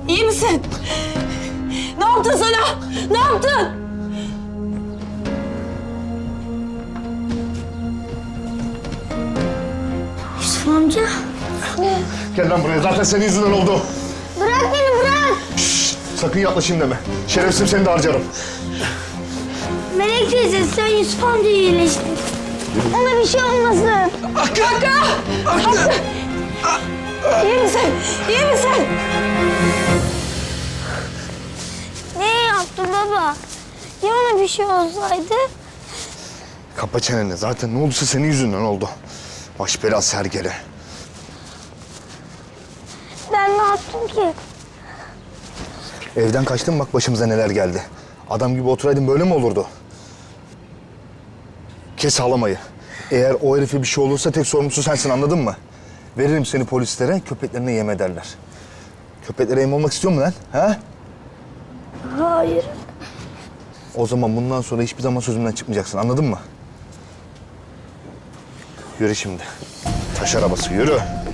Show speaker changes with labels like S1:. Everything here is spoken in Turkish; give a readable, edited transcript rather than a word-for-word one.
S1: İyi misin? Ne yaptın sana? Ne yaptın?
S2: Yusuf amca.
S3: Gel lan buraya. Zaten senin yüzünden oldu.
S2: Bırak beni bırak.
S3: Sakın yaklaşayım deme. Şerefsizim seni de harcarım.
S2: Melek teyze sen Yusuf amcayı iyileştir. Ona bir şey olmasın.
S1: Hakkı! İyi misin? İyi misin?
S2: Ne yaptı baba? Ya ona bir şey olsaydı?
S3: Kapa çeneni. Zaten ne olduysa senin yüzünden oldu. Baş belası hergele.
S2: Ben ne yaptım ki?
S3: Evden kaçtın bak başımıza neler geldi. Adam gibi oturaydın böyle mi olurdu? Kes ağlamayı. Eğer o herife bir şey olursa tek sorumlusu sensin, anladın mı? Veririm seni polislere, köpeklerine yem ederler. Köpeklere yem olmak istiyor musun lan? Ha?
S2: Hayır.
S3: O zaman bundan sonra hiçbir zaman sözümden çıkmayacaksın, anladın mı? Yürü şimdi. Taş arabası, yürü.